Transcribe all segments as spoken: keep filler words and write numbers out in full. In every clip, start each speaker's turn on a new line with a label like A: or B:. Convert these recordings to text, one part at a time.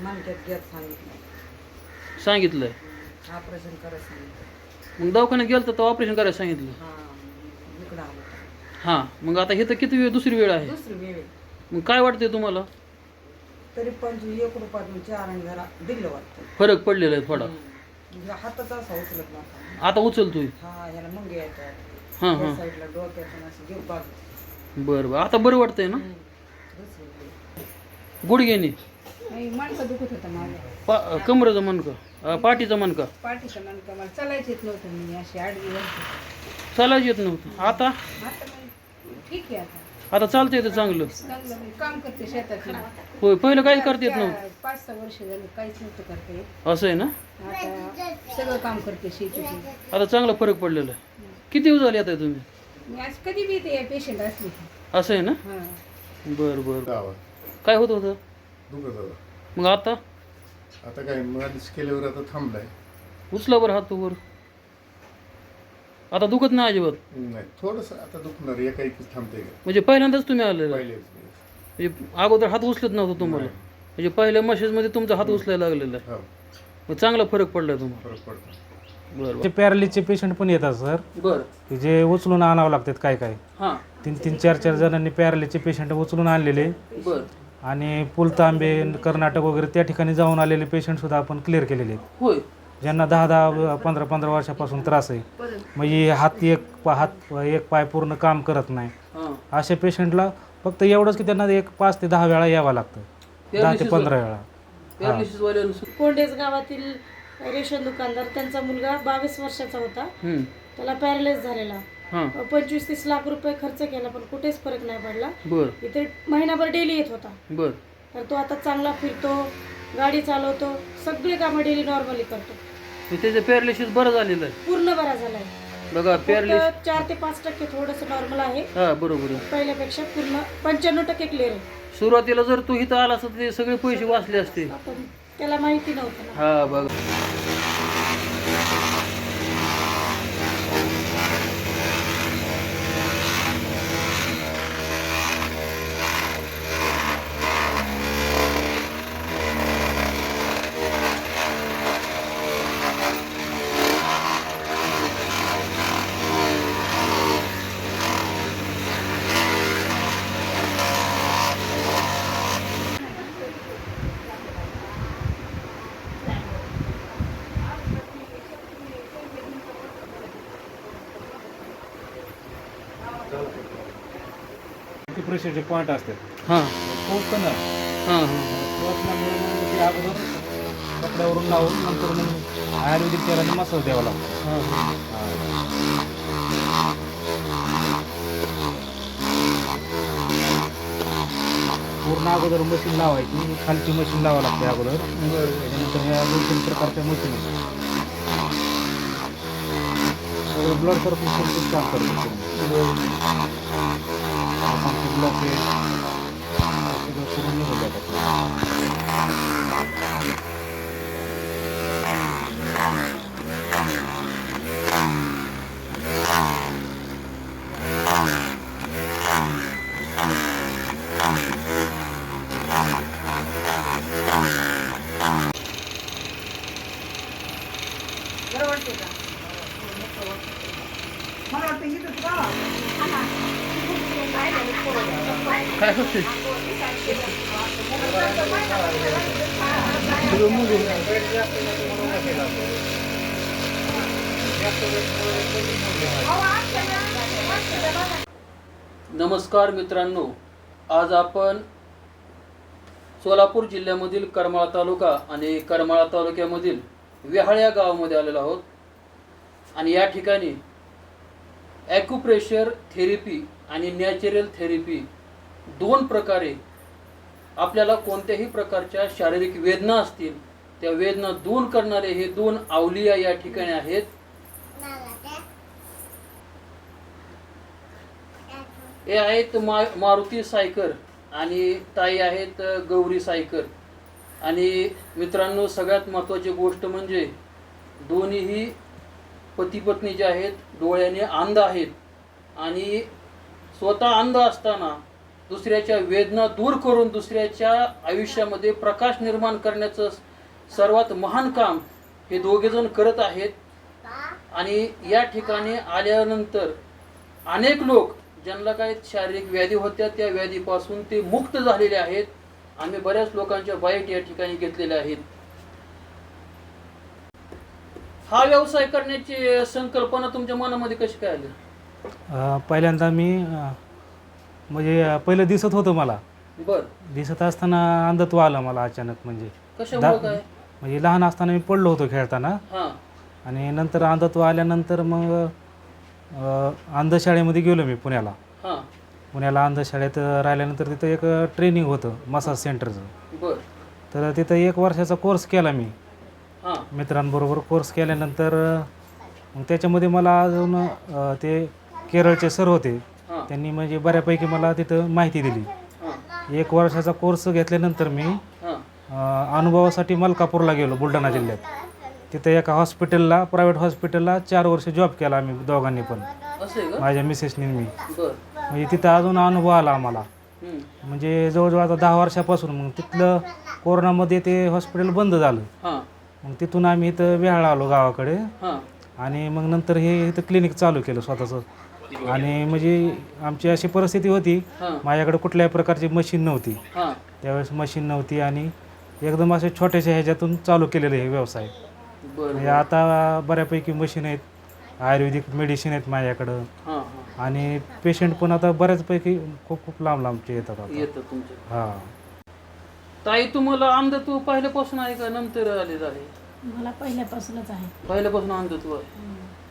A: मानक्यात घेत सांगितलं
B: सांगितलंय
A: ऑपरेशन करायला सांगितलं.
B: मग दवाखान्यात गेलं तर ऑपरेशन करायला सांगितलं.
A: हां इकडं आलं
B: हां मग आता हे तर किती वेळ दुसरी वेळ आहे.
A: दुसरी वेळ
B: मग काय वाटतंय तुम्हाला?
A: तरी पंचवीस एक रुपयातून चार आणि जरा दिलं वाटतं.
B: फरक पडलेला आहे थोडा.
A: म्हणजे हाताचा असा उचलत नव्हता.
B: आता उचलतोय.
A: हा याला मग येतात
B: हां हां
A: साईडला डोक्यातून असं घेऊ बाजू.
B: बरं बरं आता बरं वाटतंय ना? गुडघ्याने
A: नाही मणका दुखत होता माझ्या.
B: पा कमरेचं मणका पाठीचा मणका
A: पाठीचा मणका मला चालायच येत नव्हतं. मी अशी आडवी होती.
B: चालायचं येत नव्हतं. आता
A: आता मग ठीक आहे. आता
B: आता चालतंय येतं चांगलं.
A: चांगलं मी काम करते शेतात.
B: होय पहिलं काहीच करता येत नव्हतं.
A: पाच सहा वर्ष झाली काहीच नव्हतं करता येत.
B: असं आहे ना?
A: आता सगळं काम करते शेतीचं.
B: आता चांगला फरक पडलेला आहे. किती दिवस झाले आता तुम्ही?
A: मी आज कधी बी ते पेशंट असले.
B: असं आहे ना?
A: हां
B: बरं बरं. काय होत होतं?
C: दुखत होता.
B: मग आता
C: आता काय मालिश केल्यावर आता थांबलाय.
B: उचला बरं हात वर. आता दुखत नाही अजिबात?
C: नाही थोडंसं आता दुखणार एका एकीच थांबते का
B: म्हणजे पहिल्यांदाच तुम्ही आलेला?
C: पहिले
B: म्हणजे अगोदर हात उचलत नव्हता तुम्हाला? म्हणजे पहिल्या मशीजमध्ये तुमचा हात उचलायला लागलेला आहे.
C: हो
B: मग चांगला फरक पडला तुम्हाला?
C: फरक पडतो.
B: बरं
D: ते पॅरालिसचे पेशंट पण येतात सर.
B: बरं
D: की जे उचलून आणावं लागतात काय काय.
B: हां
D: तीन तीन चार चार जणांनी पॅरालिसचे पेशंट उचलून आणलेले
B: बरं
D: आणि पुलतांबे कर्नाटक वगैरे त्या ठिकाणी जाऊन आलेले पेशंटसुद्धा आपण क्लिअर केलेले आहेत.
B: होय.
D: ज्यांना दहा दहा पंधरा पंधरा वर्षापासून त्रास आहे म्हणजे हात एक पा हात एक पाय पूर्ण काम करत नाही
B: हां
D: अशा पेशंटला फक्त एवढंच की त्यांना एक पाच ते दहा वेळा यावं लागतं. दहा ते पंधरा वेळा.
B: पॅरालिसिसवाल्यांना
E: कोंडेज गावातील रेशन दुकानदार त्यांचा मुलगा बावीस वर्षाचा होता.
B: हम्म.
E: त्याला पॅरालाइज झालेला.
B: हां
E: पंचवीस तीस लाख रुपये खर्च केला पण कुठेच फरक नाही पडला.
B: बरं
E: इथे महिनाभर डेली येत होता.
B: बरं.
E: तर तो आता चांगला फिरतो, गाडी चालवतो, सगळी कामं डेली नॉर्मली करतो.
B: मग त्याचं पॅरालिसिस बरं झालेलं आहे.
E: पूर्ण बरा झालाय.
B: बघा पॅरालिसिस
E: फक्त चार ते पाच टक्के थोडंसं नॉर्मल आहे.
B: हां बरोबर आहे.
E: पहिल्यापेक्षा पूर्ण पंच्याण्णव टक्के क्लिअर आहे.
B: सुरुवातीला जर तू इथं आला असता ते सगळे पैसे वाचले असते.
E: आपण त्याला माहिती नव्हतं ना.
B: हा बघा
D: किती प्रेशरचे पॉईंट असतात.
B: हां
D: पोचतं ना
B: हां हां
D: पोचल्यामुळे मग ते अगोदर कपड्यावरून लावून नंतर मग आयुर्वेदिक तेलाने मसाज द्यावा लागतो.
B: हां हां
D: पूर्ण अगोदर मशीन लावायची खालची मशीन लावावं लागते अगोदर. त्यानंतर ह्या दोन तीन प्रकारच्या मशीन ब्लड सर्क्युलेशन काम करतो. ब्लॉकेज निघून जातात.
A: बरं वाटते का? मला वाटतं इथं का
B: काय होते? नमस्कार मित्रांनो, आज आपण सोलापूर जिल्ह्यामधील करमाळा तालुका आणि करमाळा तालुक्यामधील वेहाळ या गावामध्ये आलेलो आहोत. आणि या ठिकाणी ॲक्युप्रेशर थेरपी आणि नॅचरल थेरपी दोन प्रकारे आपल्याला कोणत्याही प्रकारच्या शारीरिक वेदना असतील त्या वेदना दूर करणारे हे दोन अवलिया या ठिकाणी आहेत. हे आहेत मा मारुती सायकर आणि ताई आहेत गौरी सायकर. आणि मित्रांनो, सगळ्यात महत्त्वाची गोष्ट म्हणजे दोन्हीही पती पत्नी जे आहेत डोळ्याने अंध आहेत. आणि स्वतः अंध असताना दुसऱ्याच्या वेदना दूर करून दुसऱ्याच्या आयुष्यामध्ये प्रकाश निर्माण करण्याचं सर्वात महान काम हे दोघेजण करत आहेत. आणि या ठिकाणी आल्यानंतर अनेक लोक ज्यांना काही शारीरिक व्याधी होत्या त्या व्याधीपासून ते मुक्त झालेले आहेत. आम्ही बऱ्याच लोकांच्या बाईट या ठिकाणी घेतलेल्या आहेत. हा व्यवसाय करण्याची संकल्पना तुमच्या मनामध्ये कशी काय आली?
D: अ, पहिल्यांदा मी अ, म्हणजे अ, पहिलं दिसत होतं मला.
B: बर,
D: दिसत असताना अंधत्व आलं मला अचानक. म्हणजे
B: कशामुळे काय?
D: म्हणजे लहान असताना मी पडलो होतो खेळताना,
B: हा
D: आणि नंतर अंधत्व आल्यानंतर मग अ, अंधशाळेमध्ये गेलो मी पुण्याला.
B: हा
D: पुण्याला अंधशाळेत राहिल्यानंतर तिथं एक ट्रेनिंग होतं मसाज सेंटरचं.
B: बर,
D: तर तिथं एक वर्षाचा कोर्स केला मी
B: हा
D: मित्रांबरोबर. कोर्स केल्यानंतर मग त्याच्यामध्ये मला अजून अ, ते केरळचे सर होते,
B: हा
D: त्यांनी म्हणजे बऱ्यापैकी मला तिथं माहिती दिली.
B: हा
D: एक वर्षाचा कोर्स घेतल्यानंतर मी
B: हा
D: अ, अनुभवासाठी मलकापूरला गेलो, बुलढाणा जिल्ह्यात. तिथं एका हॉस्पिटलला, प्रायव्हेट हॉस्पिटलला चार वर्ष जॉब केला आम्ही दोघांनी पण,
B: असं आहे का?
D: माझ्या मिसेसनी मी.
B: बर,
D: म्हणजे तिथं अजून अनुभव आला आम्हाला.
B: हम्म,
D: म्हणजे जवळजवळ आता दहा वर्षापासून. मग तिथलं कोरोनामध्ये ते हॉस्पिटल बंद झालं.
B: हा
D: मग तिथून आम्ही इथं वेहाळा आलो गावाकडे,
B: हा
D: आणि मग नंतर हे इथं क्लिनिक चालू केलं स्वतःचं. आणि म्हणजे आमची अशी परिस्थिती होती,
B: हा
D: माझ्याकडे कुठल्याही प्रकारची मशीन नव्हती
B: हा
D: त्यावेळेस. मशीन नव्हती आणि एकदम असे छोट्याशा ह्याच्यातून चालू केलेलं हे व्यवसाय.
B: बर,
D: म्हणजे आता बऱ्यापैकी मशीन आहेत, आयुर्वेदिक मेडिसिन आहेत माझ्याकडं,
B: हा हा
D: आणि पेशंट पण आता बऱ्याचपैकी खूप खूप लांब लांबचे येतात आता.
B: येतं तुमच्या.
D: हां.
B: ताई, तुम्हाला अंधत्व पहिल्यापासून आहे का नंतर आले झाले?
E: मला पहिल्यापासूनच आहे.
B: पहिल्यापासून अंधत्व आहे.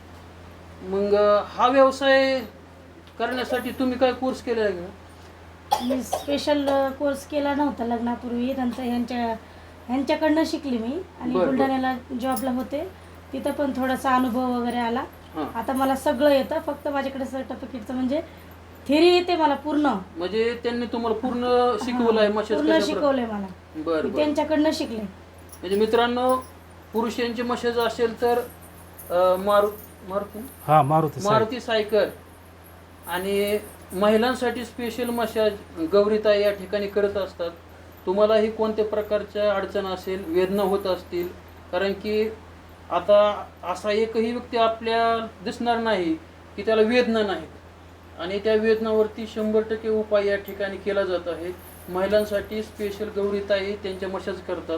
B: मग हा व्यवसाय करण्यासाठी तुम्ही काय कोर्स केलेला आहे का?
E: मी स्पेशल कोर्स केला नव्हता लग्नापूर्वी. नंतर ह्यांच्या ह्यांच्याकडनं शिकली मी. आणि
B: बरं, बरं.
E: बुलढाण्याला जॉबला होते, तिथं पण थोडासा अनुभव वगैरे आला.
B: हा
E: आता मला सगळं येतं, फक्त माझ्याकडे सर्टिफिकेटचं म्हणजे थेरी येते मला पूर्ण.
B: म्हणजे त्यांनी तुम्हाला पूर्ण शिकवलं आहे मशाज
E: पूर्ण
B: कशा
E: शिकवलंय मला.
B: प्र- बर
E: मी
B: बर.
E: त्यांच्याकडनं शिकले.
B: म्हणजे मित्रांनो, पुरुषांची मशाज असेल तर अं, मारु मारुती
D: हां, मारुती साहेब.
B: मारुती सायकर. आणि महिलांसाठी स्पेशल मशाज गौरीताई या ठिकाणी करत असतात. तुम्हालाही कोणत्या प्रकारच्या अडचण असेल, वेदना होत असतील, कारण की आता असा एकही व्यक्ती आपल्या दिसणार नाही की त्याला वेदना नाहीत, आणि त्या वेदनावरती शंभर टक्के उपाय या ठिकाणी केला जात आहे. महिलांसाठी स्पेशल गौरीताई त्यांच्या मशाज करतात.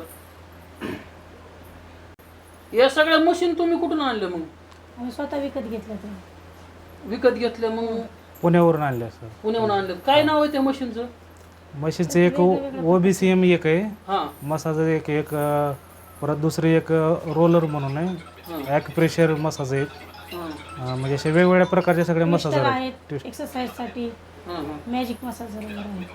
B: या सगळ्या मशीन तुम्ही कुठून आणल्या? मग
E: आम्ही स्वतः विकत घेतलं ते.
B: विकत घेतल्या? मग
D: पुण्यावरून आणल्या सर.
B: पुण्याहून आणलं? काय नाव आहे त्या मशीनचं?
D: मशीनचं एक ओ बी सी एम एक आहे,
B: हां
D: मसाज एक एक अ, परत दुसरी एक रोलर म्हणून आहे,
B: हां
D: ॲक्युप्रेशर मसाज आहे.
B: हां
D: अ, म्हणजे असे वेगवेगळ्या प्रकारचे सगळे मसाज
E: ट्विस्टर
D: आहेत.
E: आहेत एक्सरसाइजसाठी,
B: हां हां
E: मॅजिक मसाज वगैरे आहे.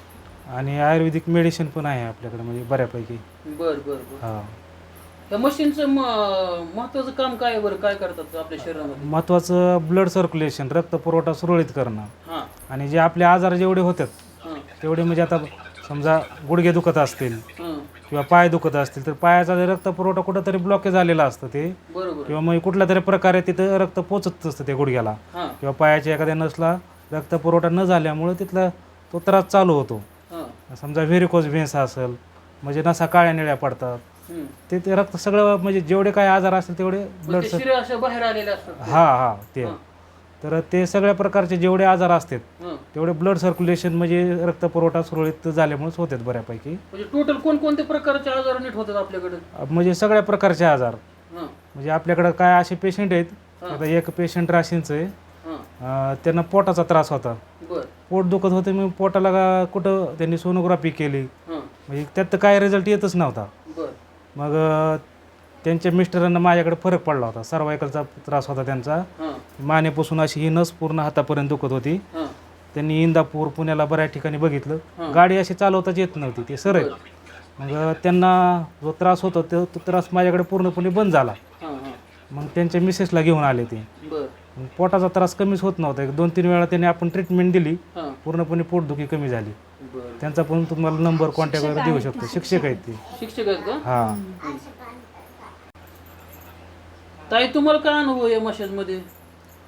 D: आणि आयुर्वेदिक मेडिसिन पण आहे आपल्याकडे, म्हणजे बऱ्यापैकी.
B: बर बर बर.
D: हां.
B: या मशीनचं महत्वाचं काम काय आहे बरं? काय करतात आपल्या शरीरामध्ये?
D: महत्त्वाचं ब्लड सर्क्युलेशन, रक्तपुरवठा सुरळीत करणं.
B: हां
D: आणि जे आपले आजार जेवढे होतात
B: हां
D: तेवढे, म्हणजे आता समजा गुडघे दुखत असतील
B: हां
D: किंवा पाय दुखत असतील, तर पायाचा जर रक्तपुरवठा कुठंतरी ब्लॉकेज झालेला असतं ते,
B: बरोबर.
D: किंवा मग कुठल्या तरी प्रकारे तिथं रक्त पोचत असतं त्या गुडघ्याला,
B: हां
D: किंवा पायाच्या एखाद्या नसला रक्तपुरवठा न झाल्यामुळे तिथला तो त्रास चालू होतो.
B: हां
D: समजा व्हेरिकोज व्हेन्स असेल, म्हणजे नसा काळ्या निळ्या पडतात,
B: हम्म.
D: ते ते रक्त सगळं, म्हणजे जेवढे काय आजार असतील तेवढे
B: मग
D: ब्लड
B: ते
D: सर
B: शिरे अशा बाहेर आलेले असतात.
D: हा हा ते
B: हां.
D: तर ते सगळ्या प्रकारचे जेवढे आजार असतात
B: हां.
D: तेवढे ब्लड सर्क्युलेशन, म्हणजे रक्तपुरवठा सुरळीत झाल्यामुळेच होतात बऱ्यापैकी.
B: म्हणजे टोटल कोणकोणत्या प्रकारचे आजार नीट होतात आपल्याकडे?
D: म्हणजे सगळ्या प्रकारचे आजार,
B: हां
D: म्हणजे आपल्याकडं काय असे पेशंट आहेत.
B: हां.
D: आता एक पेशंट राशींचं आहे,
B: हां
D: अं, त्यांना पोटाचा त्रास होता,
B: बर.
D: पोट दुखत होते. मग पोटाला का- कुठं त्यांनी सोनोग्राफी केली,
B: हां
D: म्हणजे त्यात तर काय रिझल्ट येतच नव्हता.
B: बर.
D: मग अं, त्यांच्या मिस्टरांना माझ्याकडे फरक पडला होता. सर्वायकलचा त्रास होता त्यांचा,
B: हां
D: मानेपासून अशी ही नस पूर्ण हातापर्यंत दुखत होती.
B: हां
D: त्यांनी इंदापूर, पुण्याला बऱ्याच ठिकाणी बघितलं,
B: हां.
D: गाडी अशी चालवताच येत नव्हती, ते सर आहेत. मग त्यांना जो त्रास होता तो तो त्रास माझ्याकडे पूर्णपणे बंद झाला.
B: हां हां
D: मग त्यांच्या मिसेसला घेऊन आले ते.
B: बर.
D: मग पोटाचा त्रास कमीच होत नव्हता. एक दोन तीन वेळा त्यांनी आपण ट्रीटमेंट दिली,
B: हां
D: पूर्णपणे पोटदुखी कमी झाली.
B: बर.
D: त्यांचा पण तुम्हाला नंबर कॉन्टॅक्ट वगैरे देऊ शकतो. शिक्षक आहेत ते.
B: शिक्षक आहेत का?
D: हां.
B: ताई, तुम्हाला काय अनुभव आहे मशाज मध्ये?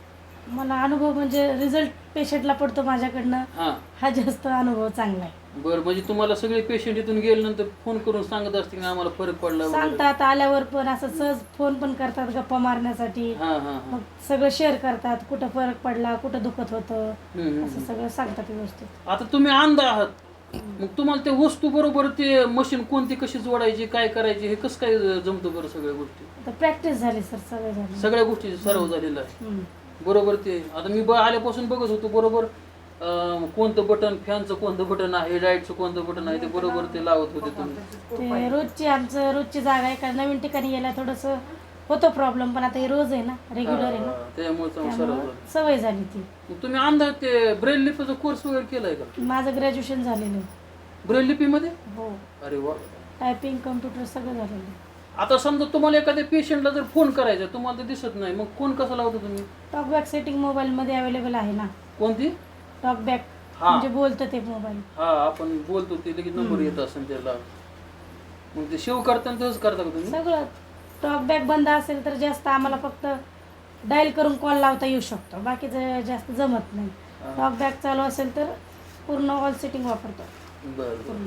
E: मला अनुभव म्हणजे रिझल्ट पेशंटला पडतो माझ्याकडनं,
B: हां
E: हा जास्त अनुभव चांगला आहे.
B: बरं, म्हणजे तुम्हाला सगळे पेशंट इथून गेल्यानंतर फोन करून सांगत असतील की आम्हाला फरक पडला वगैरे?
E: सांगतात, आल्यावर पण असं सहज फोन पण करतात गप्पा मारण्यासाठी.
B: हां हां हां
E: मग सगळं शेअर करतात, कुठं फरक पडला, कुठं दुखत होतं,
B: हम्म, हम्म,
E: असं सगळं सांगतात व्यवस्थित.
B: आता तुम्ही अंध आहात, मग तुम्हाला ते वस्तू बरोबर ते मशीन कोणती कशी जोडायची काय करायची हे कसं काय जमतं बरं सगळ्या गोष्टी?
E: आता प्रॅक्टिस झाली सर, सगळं झालं.
B: सगळ्या गोष्टी सराव झालेला आहे
E: हम्म.
B: बरोबर. ते आता मी ब आल्यापासून बघत होतो बरोबर अं, कोणतं बटन, फॅनचं कोणतं बटन आहे, लाईटचं कोणतं बटन आहे, ते बरोबर ते लावत होते तुम्ही.
E: ते रोजची आमचं रोजची जागा आहे, कारण नवीन ठिकाणी गेला थोडंसं होतो प्रॉब्लेम, पण आता हे रोज आहे ना, रेग्युलर आहे ना,
B: हा, त्यामुळे चांगलं सराव
E: त्यामुळं
B: झाला.
E: सवय झाली ती.
B: मग तुम्ही अंध ते ब्रेल लिपीचा कोर्स वगैरे केलाय का?
E: माझं ग्रॅज्युएशन झालेलं आहे.
B: ब्रेल लिपीमध्ये?
E: हो,
B: अरे वा.
E: टायपिंग कम्प्युटर सगळं झालेलं आहे.
B: आता समजा तुम्हाला एखाद्या पेशंटला जर फोन करायचा, तुम्हाला तर दिसत नाही, मग फोन कसा लावता तुम्ही?
E: टॉकबॅक सेटिंग मोबाईलमध्ये अवेलेबल आहे ना.
B: कोणती?
E: टॉकबॅक
B: हा.
E: म्हणजे बोलतं ते मोबाईल.
B: हा, आपण बोलतो ते लगेच नंबर येत असेल त्याला, मग ते सेव्ह करताना तसंच करता का तुम्ही?
E: सगळं टॉकबॅक बंद असेल तर जास्त आम्हाला फक्त डायल करून कॉल लावता येऊ शकतो, बाकीचं जास्त जमत नाही. टॉकबॅक चालू असेल तर पूर्ण ऑल सेटिंग वापरतो.
B: बरं बरं.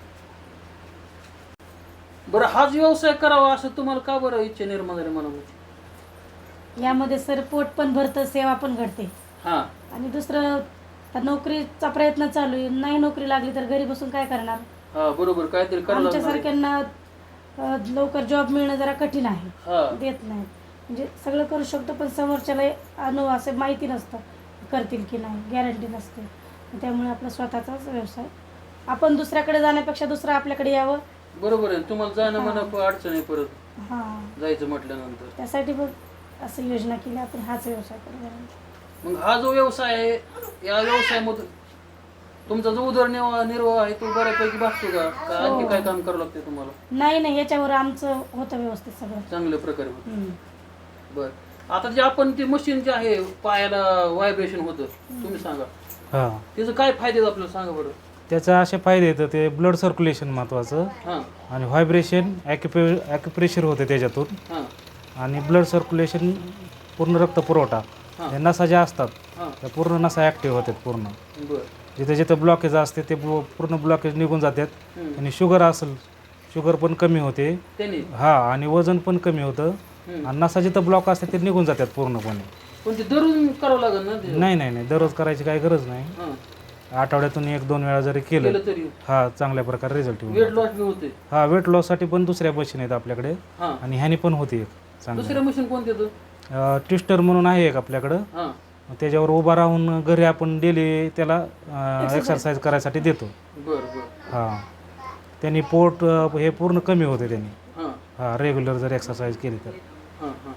B: बरं, हाच व्यवसाय करावा असं तुम्हाला का बरं इच्छा निर्माण झाली मनामध्ये?
E: यामध्ये सर पोट पण भरतं, सेवा पण घडते,
B: हा
E: आणि दुसरं आता नोकरीचा प्रयत्न चालू आहे. नाही नोकरी लागली तर घरी बसून काय करणार?
B: हा बरोबर, काहीतरी करायला लागणार आहे.
E: आमच्यासारख्यांना अ, लवकर जॉब मिळणं जरा कठीण आहे,
B: हा
E: देत नाहीत. म्हणजे सगळं करू शकतो, पण समोरच्याला अनु असं माहिती नसतं करतील की नाही, गॅरंटी नसते. त्यामुळे आपला स्वतःचाच व्यवसाय, आपण दुसऱ्याकडे जाण्यापेक्षा दुसरं आपल्याकडे यावं.
B: बरोबर आहे. तुम्हाला जाणं म्हणा अडचण आहे परत
E: हां,
B: जायचं म्हटल्यानंतर.
E: त्यासाठी मग असं योजना केली आपण, हाच व्यवसाय करू.
B: मग हा जो व्यवसाय आहे, या व्यवसायामधून तुमचा जो उदरनिर्वाह निर्वाह आहे तो बऱ्यापैकी भागतो का? का आणखी काय काम करावं लागते तुम्हाला?
E: नाही नाही, याच्यावर आमचं होतं व्यवस्थित सगळं.
B: चांगल्या प्रकारे होतं.
E: हम्म.
B: बर, आता जे आपण ते मशीन जे आहे पायाला व्हायब्रेशन होतं, तुम्ही सांगा
D: हां,
B: त्याचं काय फायदे आहेत आपल्याला सांगा बरं.
D: त्याचा असे फायदे येतं, ते ब्लड सर्क्युलेशन महत्त्वाचं,
B: हां
D: आणि व्हायब्रेशन ॲक्युपे ॲक्युप्रेशर होते त्याच्यातून,
B: हां
D: आणि ब्लड सर्क्युलेशन पूर्ण रक्तपुरवठा,
B: हां.
D: या नसा ज्या असतात
B: हां
D: त्या पूर्ण नसा ॲक्टिव्ह होतात. पूर्ण
B: बर.
D: जिथे जिथे ब्लॉकेज असते ते ब्लो- पूर्ण ब्लॉकेज निघून जातात.
B: हम्म.
D: आणि शुगर असेल, शुगर पण कमी होते.
B: त्यांनी
D: हा, आणि वजन पण कमी होतं.
B: हम्म.
D: आणि नसा जिथं ब्लॉक असते ते निघून जातात पूर्णपणे.
B: पण ते दररोज करावं लागेल ना ते?
D: नाही नाही नाही, दररोज करायची काही गरज नाही.
B: हां
D: आठवड्यातून एक दोन वेळा जरी केलं,
B: केलं तरी
D: हा, चांगल्या प्रकारे रिझल्ट
B: वेट
D: येईल.
B: लॉस बी होते.
D: हा, वेट लॉससाठी पण दुसऱ्या मशीन आहेत आपल्याकडे,
B: हां,
D: आणि ह्यानी पण होती एक चांगली.
B: दुसऱ्या मशीन कोणते तर?
D: ट्विस्टर म्हणून आहे एक आपल्याकडं.
B: हां
D: त्याच्यावर उभा राहून घरी आपण डेली त्याला एक्सरसाइज करायसाठी देतो.
B: बर बर.
D: हां, त्यांनी पोट अ, हे पूर्ण कमी होते त्यांनी.
B: हां
D: हां, रेग्युलर जर एक्सरसाइज केली तर.
B: हां हां.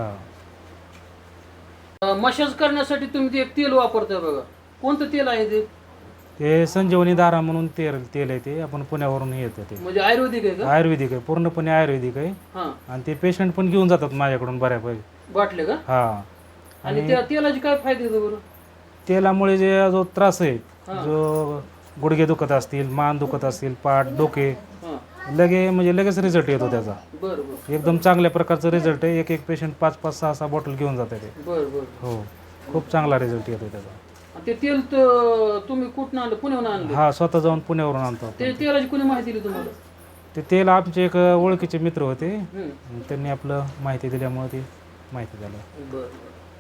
D: हां,
B: मसाज करण्यासाठी तुम्ही ते एक तेल वापरताय बघा, कोणतं तेल आहे ते?
D: ते संजीवनी धारा म्हणून तेल तेल आहे, ते आपण पुण्यावरून येतं. ते
B: म्हणजे आयुर्वेदिक आहे का?
D: आयुर्वेदिक आहे, पूर्णपणे आयुर्वेदिक आहे.
B: हां,
D: आणि ते पेशंट पण घेऊन जातात माझ्याकडून बऱ्यापैकी.
B: बाटले का?
D: हां,
B: आणि त्या तेलाचे काय फायदे आहेत बरं?
D: तेलामुळे जे जो त्रास आहे,
B: हां.
D: जो गुडघे दुखत असतील, मान दुखत असतील, पाठ, डोके,
B: हां
D: लगे म्हणजे लगेच रिझल्ट येतो त्याचा.
B: बर बर
D: एकदम चांगल्या प्रकारचा रिझल्ट आहे. एक एक पेशंट पाच पाच सहा सहा बॉटल घेऊन जाते ते.
B: बर बर.
D: हो, खूप चांगला रिझल्ट येतो त्याचा.
B: आणि ते तेल तर तुम्ही कुठून आणलं? पुण्याहून आणलं?
D: हा, स्वतः जाऊन पुण्यावरून आणतो आपण.
B: ते तेलाची कोणी माहिती दिली तुम्हाला?
D: ते तेल आमचे एक ओळखीचे मित्र होते,
B: हम्म.
D: त्यांनी आपलं माहिती दिल्यामुळे ते माहिती झालं.
B: बर बर.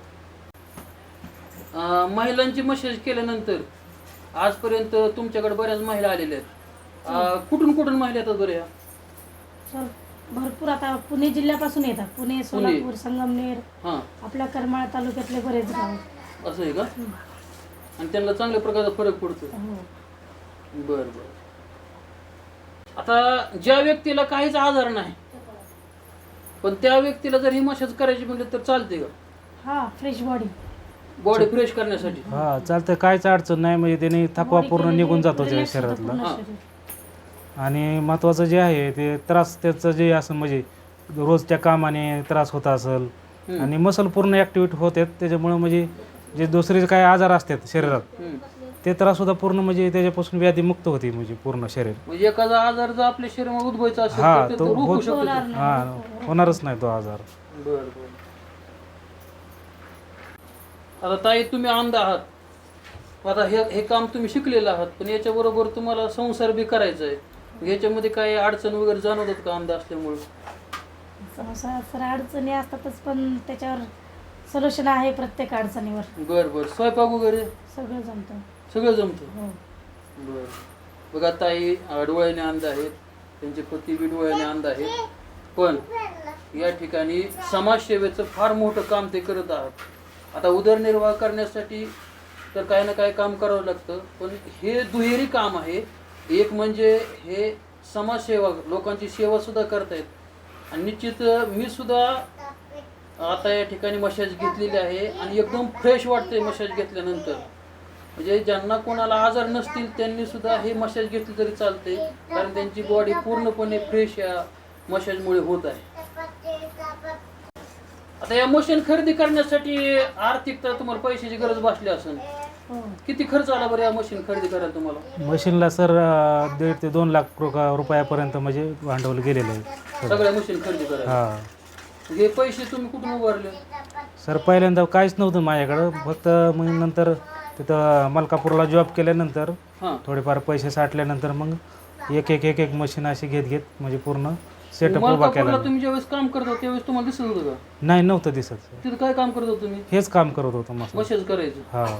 B: अं, महिलांची मसाज केल्यानंतर आजपर्यंत तुमच्याकडे बऱ्याच महिला आलेल्या आहेत. अं, कुठून कुठून महिला येतात बरं या?
E: चल, भरपूर आता पुणे जिल्ह्यापासून येतात. पुणे, सोलापूर, संगमनेर,
B: हां,
E: आपल्या करमाळा तालुक्यातले बरेच गाव.
B: असं आहे का? आणि त्यांना चांगल्या प्रकारचा फरक पडतो.
E: हो.
B: बर बर. आता ज्या व्यक्तीला काहीच आजार नाही, पण त्या व्यक्तीला जर ही मसाज करायची म्हटलं तर चालते का?
E: हा, फ्रेश बॉडी.
B: बॉडी फ्रेश करण्यासाठी?
D: हा, चालतं, काहीच अडचण नाही. म्हणजे त्याने थकवा पूर्ण निघून जातो त्या
E: Relax होतं
D: शरीरातला.
E: पूर्ण
B: हां.
E: शरीर.
D: आणि महत्त्वाचं जे आहे ते त्रास त्याचं जे असं म्हणजे रोजच्या कामाने त्रास होत असेल,
B: हम्म.
D: आणि मसल पूर्ण ॲक्टिव्हेट होतात, त्याच्यामुळं म्हणजे जे दुसरे काय आजार असतात शरीरात
B: हम्म.
D: ते त्राससुद्धा पूर्ण म्हणजे त्याच्यापासून व्याधीमुक्त होती म्हणजे पूर्ण शरीर.
B: म्हणजे एखादा आजार जर आपल्या शरीरामध्ये उद्भवायचा असेल
D: हा,
B: तर ते
D: तो
B: रोखू
D: होत-
B: शकतो.
E: होणार नाही.
D: हां, होणारच नाही तो आजार.
B: बर बर. आता ताई तुम्ही अंध आहात, आता हे हे काम तुम्ही शिकलेलं आहात, पण याच्याबरोबर तुम्हाला संसार बी करायचा आहे, याच्यामध्ये काही अडचण वगैरे जाणवतात का अंध असल्यामुळे?
E: संसार सर अडचणी असतातच, पण त्याच्यावर सोल्युशन आहे प्रत्येक अडचणीवर.
B: बरं बरं. स्वयंपाक वगैरे
E: सगळं जमतं.
B: सगळं जमतं?
E: हो.
B: बरं. बघा ताई डोळ्याने अंध आहेत, त्यांचे पती बी डोळ्याने अंध आहेत, पण या ठिकाणी समाजसेवेचं फार मोठं काम ते करत आहात. आता उदरनिर्वाह करण्यासाठी तर काही ना काही काम करावं लागतं, पण हे दुहेरी काम आहे. एक म्हणजे हे समाजसेवा, लोकांची सेवा सुद्धा करतायत, आणि निश्चित मी सुद्धा आता या ठिकाणी मसाज घेतलेली आहे आणि एकदम फ्रेश वाटते मसाज घेतल्यानंतर. म्हणजे ज्यांना कोणाला आजार नसतील त्यांनी सुद्धा हे मसाज घेतली तरी चालते, कारण त्यांची बॉडी पूर्णपणे फ्रेश या मसाजमुळे होत आहे. आता या मशीन खरेदी करण्यासाठी आर्थिक तर तुम्हाला पैशाची गरज भासली असेल.
E: हो.
B: किती खर्च आला बरं या मशीन खरेदी करायला तुम्हाला?
D: मशीनला सर अं, दीड ते दोन लाख रु- रुपयापर्यंत म्हणजे भांडवल गेलेलं आहे.
B: सगळ्या मशीन खरेदी करायला
D: हा
B: हे पैसे तुम्ही कुठून उभारले?
D: सर पहिल्यांदा काहीच नव्हतं माझ्याकडं, फक्त मग नंतर तिथं मलकापूरला जॉब केल्यानंतर
B: हां.
D: थोडेफार पैसे साठल्यानंतर मग एक एक एक एक मशीन अशी घेत घेत म्हणजे पूर्ण सेटअप उभा
B: मलकापूरला
D: केला.
B: तुम्ही ज्यावेळेस काम करत होता त्यावेळेस तुम्हाला दिसत होतं का?
D: नाही नव्हतं दिसत सर.
B: तिथं काय काम करत होता तुम्ही?
D: हेच काम करत होतं मस्त.
B: मसाज करायचं.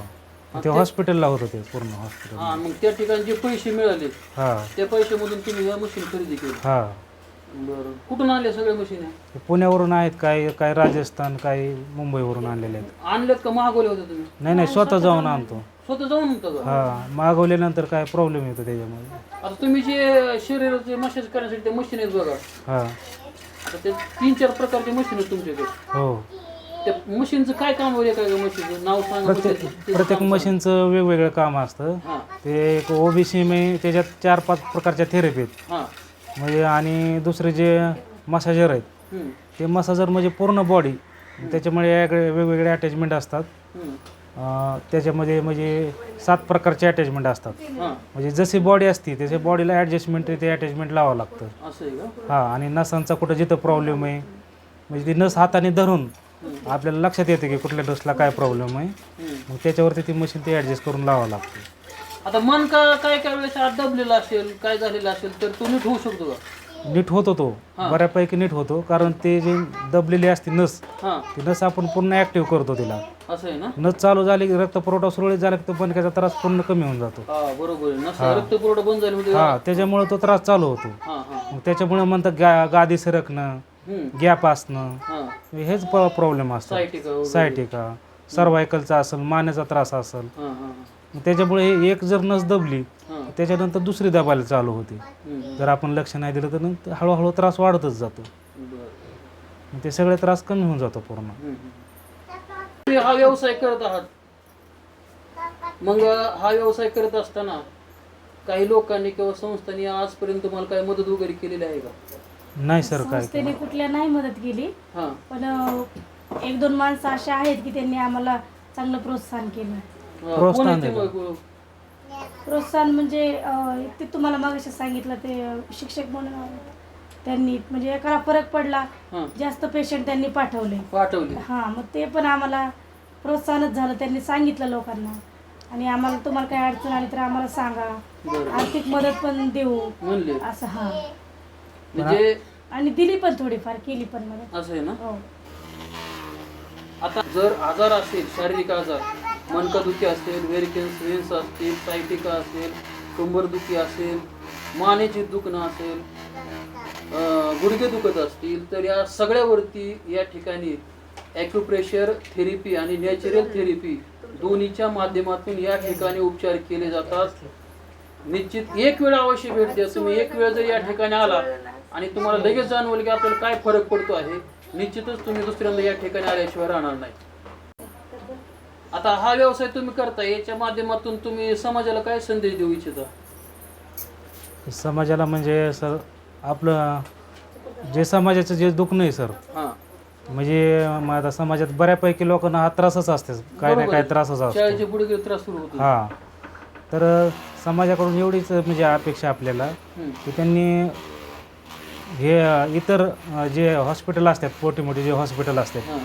D: हा ते हॉस्पिटलला होतं ते पूर्ण हॉस्पिटल.
B: हा, मग त्या ठिकाणी जे पैसे मिळाले
D: हा
B: त्या पैशामधून तुम्ही या मशीन खरेदी केली.
D: हा
B: बरं. कुठून आणले सगळे मशीन?
D: ते पुण्यावरून आहेत, काही काही राजस्थान, काही मुंबईवरून आणलेले आहेत.
B: आणलेत का मागवले होते तुम्ही?
D: नाही नाही स्वतः जाऊन आणतो.
B: स्वतः जाऊन होतं का?
D: हा मागवल्यानंतर काय प्रॉब्लेम येतो त्याच्यामध्ये.
B: आता तुम्ही जे शरीराचे मसाज करण्यासाठी ते मशीन आहेत बघा,
D: हा
B: आता ते तीन चार प्रकारचे मशीन आहेत तुमच्याकडे.
D: हो.
B: त्या मशीनचं काय काम वगैरे काय मशीनचं नाव सांगा.
D: प्रत्येक प्रत्येक मशीनचं वेगवेगळं काम असतं.
B: हां
D: ते एक ओबीसी मे त्याच्यात चार पाच प्रकारच्या थेरपी आहेत
B: हां.
D: म्हणजे, आणि दुसरे जे मसाजर आहेत
B: हम्म,
D: ते मसाजर म्हणजे पूर्ण बॉडी, त्याच्यामुळे याकडे वेगवेगळे अटॅचमेंट असतात.
B: हम्म,
D: अं, त्याच्यामध्ये म्हणजे सात प्रकारचे अटॅचमेंट असतात.
B: हां.
D: म्हणजे जशी बॉडी असते त्याच्या बॉडीला ॲडजस्टमेंट ते अटॅचमेंट लावावं लागतं.
B: असं आहे का?
D: हां, आणि नसांचा कुठं जिथं प्रॉब्लेम आहे म्हणजे ती नस हाताने धरून आपल्याला लक्षात येते की कुठल्या नसला काय प्रॉब्लेम आहे,
B: हम्म.
D: मग त्याच्यावरती ती मशीन ते ॲडजस्ट करून लावावं लागतं.
B: आता मन का काय काय वेळेस आत दबलेला असेल, काय झालेलं असेल तर तो नीट होऊ शकतो का?
D: नीट होतो तो,
B: हां.
D: बऱ्यापैकी नीट होतो, कारण ते जे दबलेली असते नस,
B: हां.
D: ती नस आपण पूर्ण ॲक्टिव्ह करतो तिला.
B: असं आहे ना?
D: नस चालू झाली की रक्तपुरवठा सुरळीत झाला की तो बनक्याचा त्रास पूर्ण कमी होऊन जातो.
B: हा बरोबर आहे. नसा रक्तपुरवठा बंद झाली होती.
D: हां, त्याच्यामुळे तो त्रास चालू होतो.
B: हां हां.
D: मग त्याच्यामुळे म्हणतात गा गादी सरकणं,
B: हम्म.
D: गॅप असणं,
B: हां.
D: हेच प्रॉब्लेम असतात.
B: सायटिका वगैरे.
D: सायटिका, सर्वायकलचा असेल, मानेचा त्रास असेल,
B: हां हां
D: मग त्याच्यामुळे हे एक जर नस दबली
B: हां.
D: त्याच्यानंतर दुसरी दाबायला चालू होते.
B: हम्म.
D: जर आपण लक्ष नाही दिलं तर नंतर हळूहळू त्रास वाढतच जातो.
B: बरं.
D: मग ते सगळे त्रास कमी होऊन जातो पूर्ण.
B: हम्म. तुम्ही हा व्यवसाय करत आहात, मग हा व्यवसाय करत असताना काही लोकांनी किंवा संस्थांनी आजपर्यंत तुम्हाला काही मदत वगैरे केलेली आहे का?
D: नाही सर काय
E: संस्थेने कुठल्या नाही मदत केली,
B: हां
E: पण अं, एक दोन माणसं अशी आहेत की त्यांनी आम्हाला चांगलं प्रोत्साहन केलं.
B: हां.
D: प्रोत्साहन
B: कोण आहे ते
D: दिलं.
B: मग?
E: प्रोत्साहन म्हणजे अं, ते तुम्हाला मागाशी सांगितलं ते अं, शिक्षक म्हणून आहेत. त्यांनी म्हणजे एकाला फरक पडला,
B: हां.
E: जास्त पेशंट त्यांनी पाठवले.
B: पाठवली.
E: हां, मग ते पण आम्हाला प्रोत्साहनच झालं. त्यांनी सांगितलं लोकांना, आणि आम्हाला तुम्हाला काही अडचण आली तर आम्हाला सांगा,
B: बरं.
E: आर्थिक मदत पण देऊ
B: म्हणले
E: असं. हां,
B: म्हणजे
E: आणि दिली पण, थोडीफार केली पण मदत.
B: असं आहे ना?
E: हो.
B: आता जर आजार असेल, शारीरिक आजार, मनकादुखी असेल, व्हेरिकेन्स व्हेन्स असतील, सायटिका असेल, कंबरदुखी असेल, मानेची दुखणं असेल, अं, गुडघे दुखत असतील, तर या सगळ्यावरती या ठिकाणी ॲक्युप्रेशर थेरपी आणि नॅचरल थेरपी दोन्हीच्या माध्यमातून या ठिकाणी उपचार केले जातात. निश्चित एक वेळ अवश्य भेट द्या. तुम्ही एक वेळ जर या ठिकाणी आला आणि तुम्हाला लगेच जाणवलं की आपल्याला काय फरक पडतो आहे, निश्चितच तुम्ही दुसऱ्यांदा या ठिकाणी आल्याशिवाय राहणार नाही. आता हा व्यवसाय तुम्ही करता, याच्या माध्यमातून तुम्ही समाजाला काय संदेश देऊ इच्छिता?
D: समाजाला म्हणजे सर आपलं जे समाजाचं जे दुखणं आहे सर,
B: हां
D: म्हणजे मग आता समाजात बऱ्यापैकी लोकांना हा त्रासच असते, काय ना काय त्रासच असतो.
B: शाळेचे पुढे त्रास सुरू होतो.
D: हां, तर समाजाकडून एवढीच म्हणजे अपेक्षा आपल्याला
B: हम्म.
D: की त्यांनी हे इतर जे हॉस्पिटल असतात, मोठी मोठी जे हॉस्पिटल असतात,
B: हां.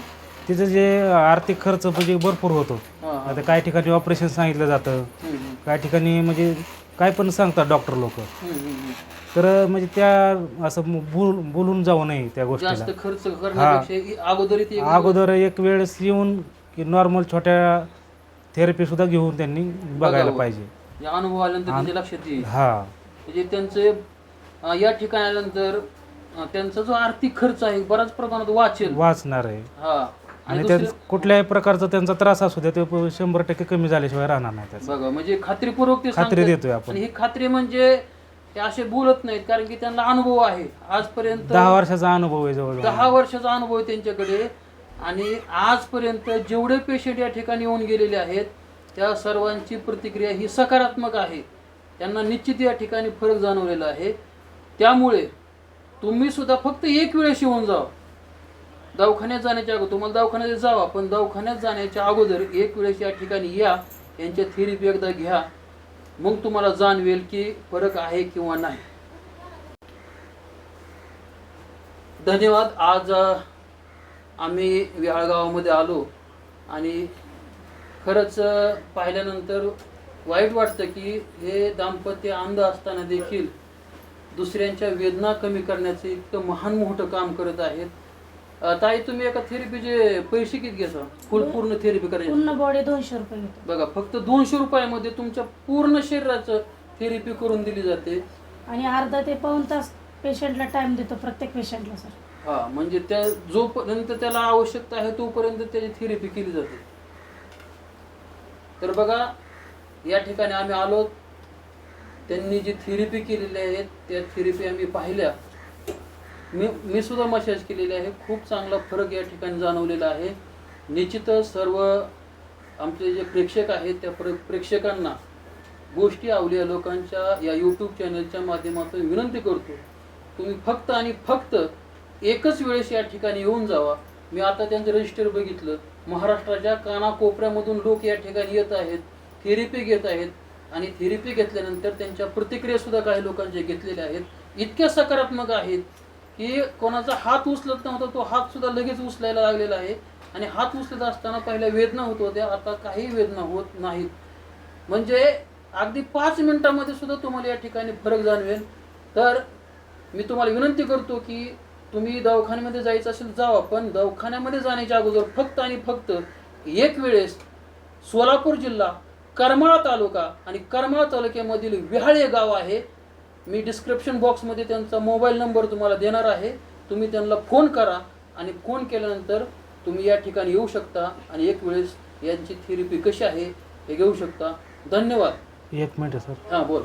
D: तिचं जे आर्थिक खर्च म्हणजे भरपूर होतो.
B: हां हां
D: आता काही ठिकाणी ऑपरेशन सांगितलं जातं,
B: हम्म, हम्म,
D: काही ठिकाणी म्हणजे काय पण सांगतात डॉक्टर लोक.
B: हम्म, हम्म, हम्म.
D: तर म्हणजे त्या असं बोल बोलून जाऊ नये त्या गोष्टीला.
B: जास्त खर्च करण्यापेक्षा इ- अगोदर इथे एक-
D: अगोदर एक वेळेस येऊन की नॉर्मल छोट्या थेरपी सुद्धा घेऊन त्यांनी बघायला
B: बघावं.
D: पाहिजे.
B: या अनुभव आल्यानंतर त्यांच्या लक्षात येईल
D: हा
B: म्हणजे त्यांचे अं, या ठिकाणी आल्यानंतर अं, त्यांचा जो आर्थिक खर्च आहे बऱ्याच प्रमाणात वाचेल.
D: वाचणार आहे.
B: हा आणि
D: आणि त्या
B: दुसरं
D: कुठल्याही प्रकारचा त्यांचा त्रास असू द्या ते शंभर टक्के कमी झाल्याशिवाय राहणार नाही त्याचा.
B: बघा म्हणजे खात्रीपूर्वक ते
D: खात्री
B: सांगतात.
D: देतोय आपण.
B: आणि ही खात्री म्हणजे ते असे बोलत नाहीत कारण की त्यांना अनुभव आहे आजपर्यंत.
D: दहा वर्षाचा अनुभव आहे जवळ.
B: दहा वर्षाचा अनुभव आहे त्यांच्याकडे आणि आजपर्यंत जेवढे पेशंट या ठिकाणी येऊन गेलेले आहेत त्या सर्वांची प्रतिक्रिया ही सकारात्मक आहे. त्यांना निश्चित या ठिकाणी फरक जाणवलेला आहे. त्यामुळे तुम्ही सुद्धा फक्त एक वेळेस येऊन जावा. दवाखान्यात जाण्याच्या अगोदर तुम्हाला दवाखान्यात जावा पण दवाखान्यात जाण्याच्या अगोदर एक वेळेस या ठिकाणी या, यांच्या थेरपी एकदा घ्या, मग तुम्हाला जाणवेल की फरक आहे किंवा नाही. धन्यवाद. आज अ, आम्ही विहाळगावामध्ये आलो आणि खरंच अ, पाहिल्यानंतर वाईट वाटतं की हे दाम्पत्य अंध असताना देखील दुसऱ्यांच्या वेदना कमी करण्याचं इतकं महान मोठं काम करत आहेत. अ, ताई तुम्ही एका थेरपीचे पैसे किती घेता? फुल पूर्ण थेरपी करायची
E: पूर्ण बॉडी दोनशे रुपये घेतो.
B: बघा फक्त दोनशे रुपयामध्ये तुमच्या पूर्ण शरीराचं थेरपी करून दिली जाते.
E: आणि अर्धा ते पाऊण तास पेशंटला टाइम देतो प्रत्येक पेशंटला सर.
B: हा म्हणजे त्या जोपर्यंत त्याला आवश्यकता आहे तोपर्यंत त्याची थेरपी केली जाते. तर बघा या ठिकाणी आम्ही आलो, त्यांनी जी थेरपी केलेली आहे त्या थेरपी आम्ही पाहिल्या. मी मी सुद्धा मसाज केलेली आहे. खूप चांगला फरक या ठिकाणी जाणवलेला आहे. निश्चितच सर्व आमचे जे प्रेक्षक आहेत त्या प्र प्रेक्षकांना गोष्टी आवडल्या लोकांच्या या यूट्यूब चॅनलच्या माध्यमातून विनंती करतो तुम्ही फक्त आणि फक्त एकच वेळेस या ठिकाणी येऊन जावा. मी आता त्यांचं रजिस्टर बघितलं, महाराष्ट्राच्या कानाकोपऱ्यामधून लोक या ठिकाणी येत आहेत, थेरपी घेत आहेत आणि थेरपी घेतल्यानंतर त्यांच्या प्रतिक्रिया सुद्धा काही लोकांचे घेतलेल्या आहेत. इतक्या सकारात्मक आहेत की कोणाचा हात उचलत नव्हता तो हात सुद्धा लगेच उचलायला लागलेला आहे आणि हात उचलत असताना पहिल्या वेदना होत होत्या, आता काही वेदना होत नाहीत. म्हणजे अगदी पाच मिनिटांमध्ये सुद्धा तुम्हाला या ठिकाणी फरक जाणवेल. तर मी तुम्हाला विनंती करतो की तुम्ही दवाखान्यामध्ये जायचं असेल जावा, पण दवाखान्यामध्ये जाण्याच्या अगोदर फक्त आणि फक्त एक वेळेस सोलापूर जिल्हा करमाळा तालुका आणि करमाळा तालुक्यामधील विहाळे गाव आहे. मी डिस्क्रिप्शन बॉक्समध्ये त्यांचा मोबाईल नंबर तुम्हाला देणार आहे. तुम्ही त्यांना फोन करा आणि फोन केल्यानंतर तुम्ही या ठिकाणी येऊ शकता आणि एक वेळेस यांची थेरपी कशी आहे हे घेऊ शकता. धन्यवाद.
D: एक मिनिट सर.
B: हां बोल.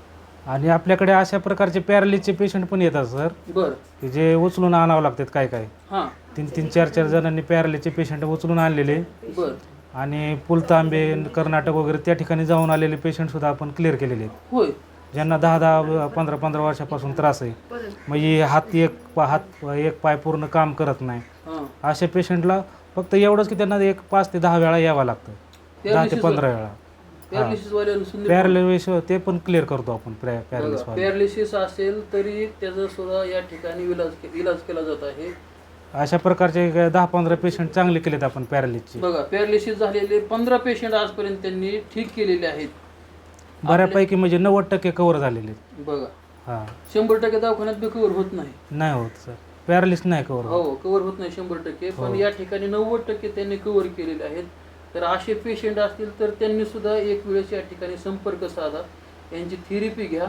D: आणि आपल्याकडे अशा प्रकारचे पॅरालिसचे पेशंट पण येतात सर,
B: बरं.
D: की जे उचलून आणावं लागतात. काय काय
B: हां
D: तीन तीन चार चार जणांनी पॅरालिसचे पेशंट उचलून आणलेले
B: बरं.
D: आणि पुलतांबे कर्नाटक वगैरे त्या ठिकाणी जाऊन आलेले पेशंट सुद्धा आपण क्लिअर केलेले आहेत.
B: होय.
D: ज्यांना दहा दहा पंधरा पंधरा वर्षापासून त्रास आहे, म्हणजे हात एक पा हात एक पाय पूर्ण काम करत नाही,
B: हां
D: अशा पेशंटला फक्त एवढंच की त्यांना एक पाच ते दहा वेळा यावं लागतं, दहा ते पंधरा वेळा.
B: पॅरालिसिस वाले
D: पॅरालिस ते पण क्लिअर करतो आपण. पॅरालिस
B: पॅरालिसिस असेल तरी त्याचा सुद्धा या ठिकाणी इलाज के- इलाज केला जात आहे.
D: अशा प्रकारचे दहा पंधरा पेशंट चांगले केलेत आपण पॅरालिसचे.
B: बघा पॅरालिसिस झालेले पंधरा पेशंट आजपर्यंत त्यांनी ठीक केलेले आहेत.
D: बऱ्यापैकी म्हणजे नव्वद टक्के कव्हर झालेले.
B: बघा
D: हां
B: शंभर टक्के दवाखान्यात बी कव्हर होत नाही.
D: नाही होत सर, पॅरालिस नाही कव्हर होत.
B: हो कव्हर होत नाही शंभर टक्के, पण
D: हो.
B: या ठिकाणी नव्वद टक्के त्यांनी कव्हर केलेले आहेत. तर असे पेशंट असतील तर त्यांनी सुद्धा एक वेळेस या ठिकाणी संपर्क साधा, यांची थेरपी घ्या.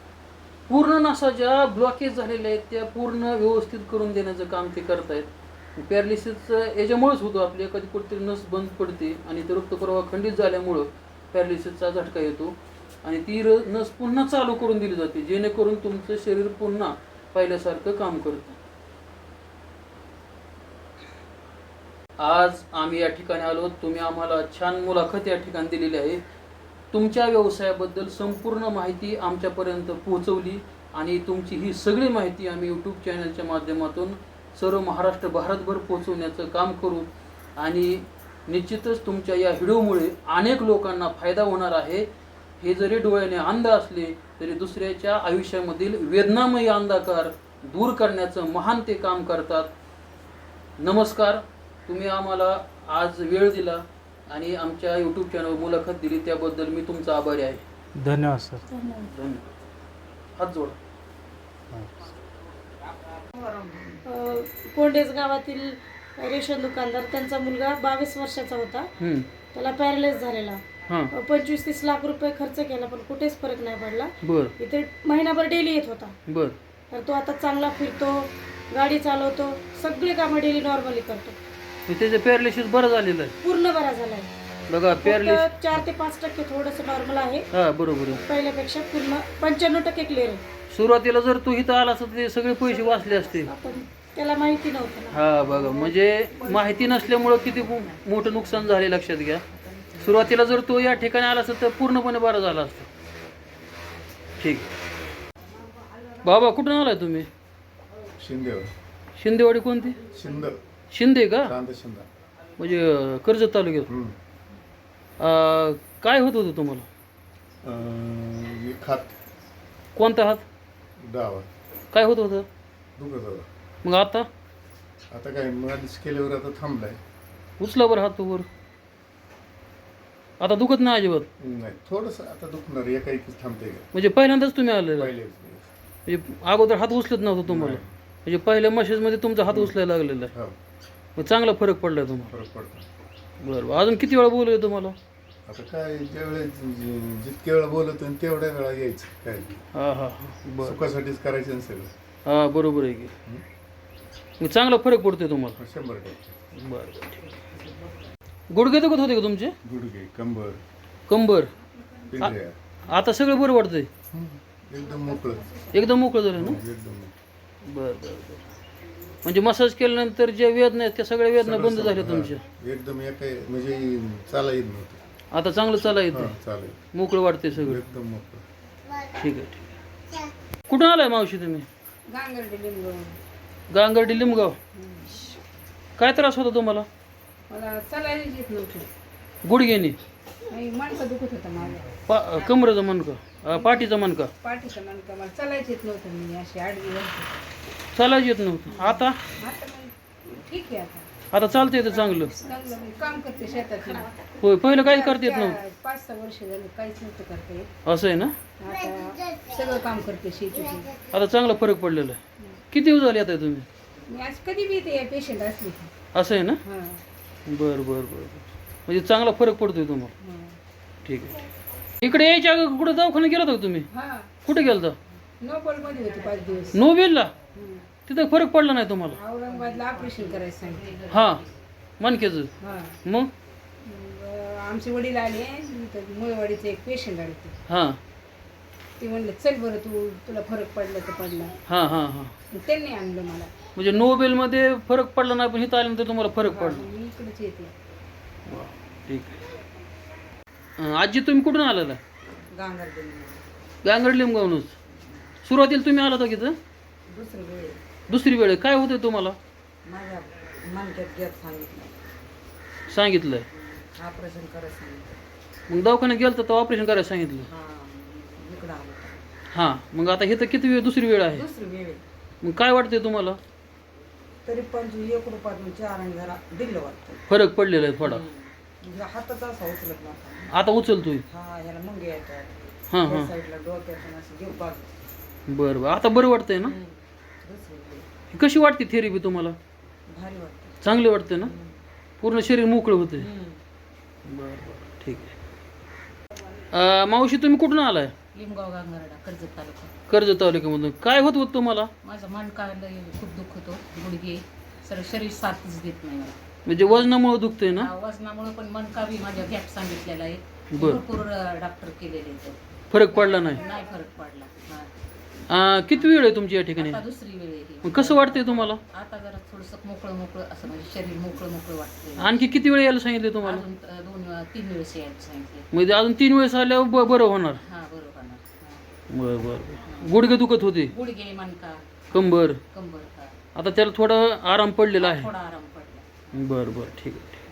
B: पूर्ण नसा ज्या ब्लॉकेज झालेल्या आहेत त्या पूर्ण व्यवस्थित करून देण्याचं काम ते करतायत. पॅरालिसिसचं याच्यामुळेच होतो, आपली एखादी कुठेतरी नस बंद पडते आणि ते रक्तप्रवाह खंडित झाल्यामुळं पॅरालिसिसचा झटका येतो आणि ती र नस पुन्हा चालू करून दिली जाते जेणेकरून तुमचं शरीर पुन्हा पहिल्यासारखं काम करतं. आज आम्ही या ठिकाणी आलो, तुम्ही आम्हाला छान मुलाखत या ठिकाणी दिलेली आहे. तुमच्या व्यवसायाबद्दल संपूर्ण माहिती आमच्यापर्यंत पोहोचवली आणि तुमची ही सगळी माहिती आम्ही यूट्यूब चॅनलच्या माध्यमातून सर्व महाराष्ट्र भारतभर पोहोचवण्याचं काम करू आणि निश्चितच तुमच्या या व्हिडिओमुळे अनेक लोकांना फायदा होणार आहे. हे जरी डोळ्याने अंध असले तरी दुसऱ्याच्या आयुष्यामधील वेदनामयी अंधकार दूर करण्याचं महान ते काम करतात. नमस्कार. तुम्ही आम्हाला आज वेळ दिला आणि आमच्या यूट्यूब चॅनल मुलाखत दिली त्याबद्दल मी तुमचा आभारी आहे.
D: धन्यवाद सर.
E: धन्यवाद.
B: धन्यवाद. हात जोडा.
E: अ, कोंडेज गावातील रेशन दुकानदार, त्यांचा मुलगा बावीस वर्षाचा होता.
B: हम्म.
E: त्याला पॅरालाइज झालेला.
B: हां.
E: अ, पंचवीस तीस लाख रुपये खर्च केला पण कुठेच फरक नाही पडला.
B: बर
E: इथे महिनाभर डेली येत होता.
B: बर
E: तर तो आता चांगला फिरतो, गाडी चालवतो, सगळे कामं डेली नॉर्मली करतो.
B: मग त्याचं पॅरालिसिस बरं झालेलं आहे.
E: पूर्ण बरा झालाय.
B: बघा पॅरालिसिस.
E: फक्त चार ते पाच टक्के थोडंसं नॉर्मल आहे.
B: हा बरोबर आहे.
E: पहिल्यापेक्षा पूर्ण पंच्याण्णव टक्के क्लिअर आहे.
B: सुरुवातीला जर तू इथं आला असता तर ते सगळे पैसे वाचले असते.
E: आपण त्याला माहिती नव्हतं ना.
B: हा बघा म्हणजे माहिती नसल्यामुळं किती मो- मोठं नुकसान झाले लक्षात घ्या. सुरुवातीला जर तो या ठिकाणी आला असता तर पूर्णपणे बरा झाला असता. ठीक. बाबा कुठून आलाय तुम्ही?
C: शिंदेवर.
B: शिंदेवाडी कोणती?
C: शिंद
B: शिंदे का?
C: चांद शिंदा.
B: म्हणजे अं, कर्जत तालुक्यात.
C: हम्म.
B: अं, काय होत होतं तुम्हाला?
C: अं, हे खात
B: कोणता हात?
C: डावा
B: काय होत होतं?
C: दुखत होता.
B: मग आता
C: आता काय मालिश केल्यावर आता थांबलाय.
B: उचला बरं हात वर. आता दुखत नाही अजिबात?
C: नाही थोडंसं आता दुखणार एका एकीच थांबते का
B: म्हणजे पहिल्यांदाच तुम्ही आलेला?
C: पहिले
B: म्हणजे अगोदर हात उचलत नव्हता तुम्हाला?
C: नाही.
B: म्हणजे पहिल्या मशीजमध्ये तुमचा हात उचलायला लागलेला आहे.
C: हो
B: मग चांगला फरक पडलाय तुम्हाला?
C: फरक पडतो.
B: बरं बरं. अजून किती वेळा बोलूया तुम्हाला?
C: आता काय ज्यावेळेस जि- जितक्या वेळा बोलतो आणि तेवढ्या वेळा यायचं काय
B: हां हां हां. बरं.
C: सुखासाठीच करायचं ना सगळं.
B: हां बरोबर आहे की. मग चांगला फरक पडतोय तुम्हाला?
C: शंभर टक्के.
B: बरं बरं ठीक आहे. गुडघे दुखत होते का तुमचे?
C: गुडघे कंबर
B: कंबर?
C: पिंढऱ्या
B: आता सगळं बरं वाटतंय?
C: एकदम मोकळं.
B: एकदम मोकळं झालं ना?
C: एकदम मोकळं.
B: बरं बरं बरं. म्हणजे मसाज केल्यानंतर ज्या वेदना आहेत त्या सगळ्या वेदना बंद
C: सगळं-
B: झाल्या
C: सगळं,
B: तुमच्या?
C: हा. एकदम एका म्हणजे चाला येत नव्हतं.
B: आता चांगलं चाला येतं?
C: हा, चालेल.
B: मोकळं वाटतंय सगळं?
C: एकदम मोकळं.
B: ठीक आहे ठीक आहे. कुठून आलाय मावशी तुम्ही?
A: गांगर्डी लिंबू.
B: गांगर्डी लिंबगाव. काय त्रास होता तुम्हाला?
A: मला चालायला येत नव्हतं.
B: गुडघेने?
A: नाही मणका दुखत होता माझा.
B: पा कमरेचा मणका? अं, पाठीचा मणका?
A: पाठीचा मणका. मला चालायच येत नव्हतं. मी अशी आडवी होते.
B: चालायचं येत नव्हतं. आता?
A: आता मग ठीक आहे. आता
B: आता चालतं येतं चांगलं?
A: चांगलं मी काम करते शेतात.
B: होय पहिलं काहीच करता येत नव्हतं?
A: पाच सहा वर्ष झालं काहीच नव्हतं करता येत.
B: असं आहे ना?
A: आता सगळं काम करते शेतीचं.
B: आता चांगला फरक पडलेला आहे. किती दिवस झाले आता तुम्ही?
A: मी आज कधी बी येते पेशंट असली की.
B: असं आहे ना?
A: हां
B: बरं बरं बरं. म्हणजे चांगला फरक पडतोय तुम्हाला?
A: हां
B: ठीक आहे. इकडे यायच्या अगोदर कुठं दवाखान्यात गेला होता का तुम्ही?
A: हां.
B: कुठे गेलता?
A: नोबलमध्ये होते पाच दिवस.
B: नोबेलला?
A: हं.
B: तिथं फरक पडला नाही तुम्हाला?
A: औरंगाबादला ऑपरेशन करायचं सांगितलं.
B: हां मणक्याचं?
A: हां
B: मग?
A: मग आमचे वडील आले. इथं मुळवाडीचे एक पेशंट आले ते.
B: हां
A: ते म्हणलं चल बरं तू तुला फरक पडला तर पडला.
B: हां हां हां.
A: मग त्यांनी आणलं मला.
B: म्हणजे नोबेलमध्ये फरक पडला नाही पण इथं आल्यानंतर तुम्हाला फरक पडला?
A: मी इकडेच येते.
B: वा, ठीक आहे. अं, आजी तुम्ही कुठून आलेला?
A: गांगर्डी.
B: गांगड लिंबगावनच. सुरुवातीला तुम्ही आला होता की इथं?
A: दुसरी वेळ
B: दुसरी वेळ? काय होतं तुम्हाला?
A: माझ्या मणक्यात गॅप सांगितलं.
B: सांगितलंय?
A: ऑपरेशन करायचं सांगितलं.
B: मग दवाखान्यात गेलं तर ऑपरेशन करायला सांगितलं?
A: हां इकडं आलं.
B: हां मग आता हे तर किती वेळ दुसरी वेळ आहे?
A: दुसरी वेळ.
B: मग काय वाटतंय तुम्हाला?
A: तरी पंचवीस एक रुपयातून चार आणि जरा दिलं वाटतं.
B: फरक पडलेला आहे थोडा?
A: म्हणजे हाताचा असा उचलत नव्हता.
B: आता उचलतोय?
A: हा ह्याला मुंगे येतात.
B: हां
A: त्या
B: हां.
A: साईडला डोक्यातून असं घेऊ बाजू.
B: बरं बरं. आता बरं वाटतंय ना?
A: दुसरी वेळ.
B: कशी वाटते थेरपी तुम्हाला?
A: भारी वाटतं.
B: चांगली वाटते ना? पूर्ण शरीर मोकळं होते?
A: हम्म.
B: बरं बरं ठीक आहे. अं, मावशी तुम्ही कुठून आलाय?
F: लिंबगाव गांगर्डा कर्जत तालुका.
B: कर्जत तालुक्यामधून. काय होत होतं तुम्हाला?
F: माझा मणका लय खूप दुखतो. गुडघे सर शरीर साथच देत नाही मला.
B: म्हणजे वजनामुळे दुखतंय ना?
F: हा, वजनामुळे पण मणका बी माझ्या गॅप सांगितलेला आहे.
B: बरं.
F: भरपूर डॉक्टर केलेले आहेत.
B: फरक पडला नाही?
F: नाही फरक पडला. हा.
B: अं, किती वेळ आहे तुमची या ठिकाणी?
F: आता दुसरी वेळ आहे ही.
B: मग कसं वाटतंय तुम्हाला?
F: आता जरा थोडंसं मोकळं मोकळं असं म्हणजे शरीर मोकळं मोकळं वाटतंय.
B: आणखी किती वेळ यायला सांगितले तुम्हाला?
F: अजून अ, दोन तीन वेळेस यायला सांगितले.
B: म्हणजे अजून तीन वेळेस आल्यावर ब- बरं होणार?
F: हा बरोबर ना. हा.
B: बरं बरं बरं. गुडघे दुखत होते?
F: गुडघे मणका
B: कंबर?
F: कंबर हा.
B: आता त्याला थोडा आराम पडलेला आहे?
F: थोडा आराम पडला.
B: बरं बरं ठीक आहे.